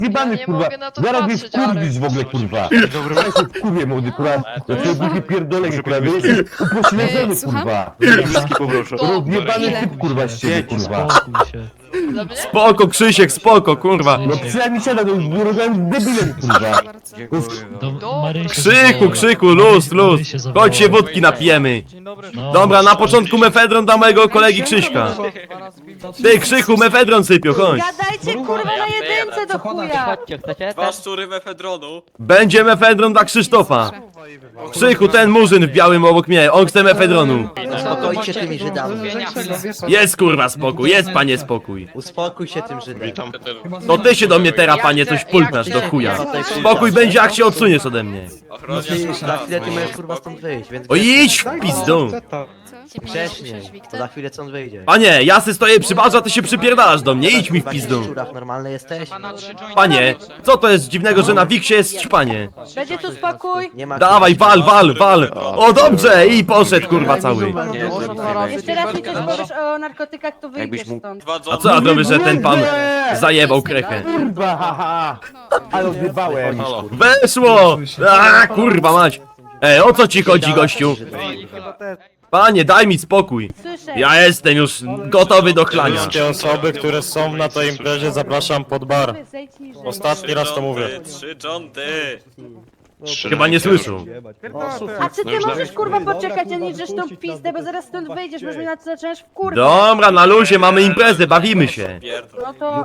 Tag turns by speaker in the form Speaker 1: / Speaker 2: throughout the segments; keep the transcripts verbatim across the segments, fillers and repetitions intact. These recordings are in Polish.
Speaker 1: Jebany,
Speaker 2: nie
Speaker 1: kurwa,
Speaker 2: mogę na to
Speaker 1: zaraz mnie
Speaker 2: patrzeć,
Speaker 1: wkurwisz w ogóle, kurwa. Ja się wkurwię, młody, kurwa. Ja cię buchy pierdolenie, kurwa, wy jesteś upośledzony, kurwa.
Speaker 3: Wszystkie poproszę.
Speaker 1: Rozjebany
Speaker 2: Ile?
Speaker 1: typ, kurwa, z ciebie, kurwa.
Speaker 4: Spokój się.
Speaker 2: Dla mnie?
Speaker 5: Spoko, Krzysiek, spoko, kurwa.
Speaker 1: No przynajmniej siada, no rozmawiałem debilem, kurwa.
Speaker 4: Do Marysi
Speaker 5: Krzyku,
Speaker 4: zawołała.
Speaker 5: krzyku, luz, luz.
Speaker 4: Marysię zawołała.
Speaker 5: Chodź się wódki napijemy.
Speaker 4: No,
Speaker 5: Dobra, na początku mefedron dla mojego kolegi Krzyśka. Ty, Krzychu, mefedron sypią, chodź.
Speaker 6: Gadajcie kurwa na jedynce do chuja!
Speaker 7: Dwa szczury mefedronu.
Speaker 5: Będzie mefedron dla Krzysztofa. Krzychu, ten murzyn w białym obok mnie, on chce mefedronu.
Speaker 8: Uspokójcie tymi Żydami.
Speaker 5: Jest kurwa spokój, jest panie spokój.
Speaker 8: Uspokój się tym Żydem.
Speaker 5: To ty się do mnie teraz, panie, coś pulknasz do chuja. Spokój będzie, jak się odsuniesz ode mnie.
Speaker 8: No ty, za chwilę ty możesz kurwa stąd wyjść, więc...
Speaker 5: O idź w pizdu.
Speaker 8: Wcześniej, bo za chwilę stąd wyjdziesz.
Speaker 5: Panie, ja se stoję przy barze, a ty się przypierdalasz do mnie, idź mi w pizdu.
Speaker 8: Szczurach normalny jesteś?
Speaker 5: Panie, co to jest dziwnego, że na Wiksie jest ćpanie?
Speaker 6: Będzie tu spokój?
Speaker 8: Nie ma...
Speaker 5: Dawaj, wal, wal, wal. O dobrze, i poszedł kurwa cały.
Speaker 6: Jeszcze raz mi coś powiesz o narkotykach, to wyjdziesz stąd.
Speaker 7: Dwa
Speaker 5: A
Speaker 7: dżony.
Speaker 5: co ja robię, że ten pan zajebał krechę?
Speaker 1: Kurwa, haha. Ale odjebałem.
Speaker 5: Weszło! A kurwa mać. Ej, o co ci chodzi, gościu? Panie, daj mi spokój.
Speaker 6: Słyszę.
Speaker 5: Ja jestem już gotowy do chlania.
Speaker 9: Wszystkie osoby, które są na tej imprezie, zapraszam pod bar.
Speaker 6: Zejdź niżej.
Speaker 9: Ostatni raz to mówię.
Speaker 7: Trzy dżonty.
Speaker 5: Chyba nie słyszą.
Speaker 6: A czy ty możesz kurwa poczekać, a nie drzesz tą pizdę, bo zaraz stąd wyjdziesz, bo mnie na co zaczynasz w kurwę.
Speaker 5: Dobra, na luzie, mamy imprezę, bawimy się.
Speaker 7: Pierdol.
Speaker 6: No to...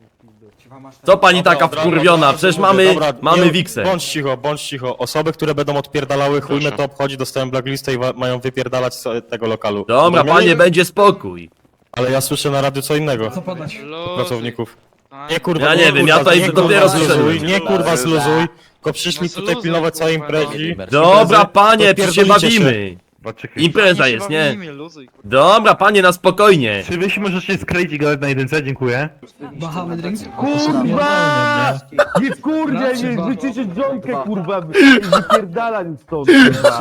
Speaker 5: Co pani taka wkurwiona? Przecież mamy,
Speaker 9: Dobra,
Speaker 5: mamy
Speaker 9: nie-
Speaker 5: wiksę.
Speaker 9: Bądź cicho, bądź cicho. Osoby, które będą odpierdalały, chuj mnie to obchodzi, dostałem blacklistę i wa- mają wypierdalać z tego lokalu.
Speaker 5: Dobra,
Speaker 9: Rozumieli?
Speaker 5: panie, będzie spokój.
Speaker 9: Ale ja słyszę na radiu co innego. Pracowników. Nie kurwa,
Speaker 5: Ja nie wiem,
Speaker 9: kurwa,
Speaker 5: ja tutaj
Speaker 9: nie,
Speaker 5: dopiero
Speaker 9: kurwa, zluzuj,
Speaker 5: zszedłem.
Speaker 9: nie kurwa zluzuj, tylko przyszli tutaj pilnować całej imprezy.
Speaker 5: Dobra, panie, przecież się
Speaker 9: Pierdolicie się.
Speaker 5: bawimy. Impreza jest, nie? Dobra, panie, na spokojnie.
Speaker 1: Czy wy się możecie skleić i gadać na jedynce? Dziękuję.
Speaker 4: Bahamy drinks.
Speaker 1: Kurwa! Nie wkurwia, nie wyczyszczyć dżonkę, kurwa! Wypierdala mi stąd, kurwa!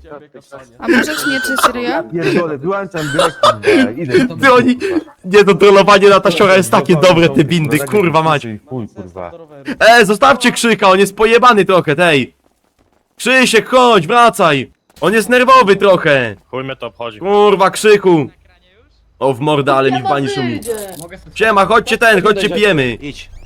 Speaker 2: A możesz nie czy serio?
Speaker 1: Pierdolę, wyłączam grę, kurwa, idę.
Speaker 5: Ty oni... Nie, to trollowanie na tasiora jest takie dobre, te bindy, kurwa mać.
Speaker 1: Chuj, kurwa.
Speaker 5: E, zostawcie Krzyka, on jest pojebany trochę, tej. Krzysiek, chodź, wracaj. On jest nerwowy trochę.
Speaker 9: Chuj mnie to obchodzi.
Speaker 5: Kurwa, Krzyku. O, w mordę, ale mi w bani szumi. Siema, chodźcie ten, chodźcie pijemy.
Speaker 8: Idź.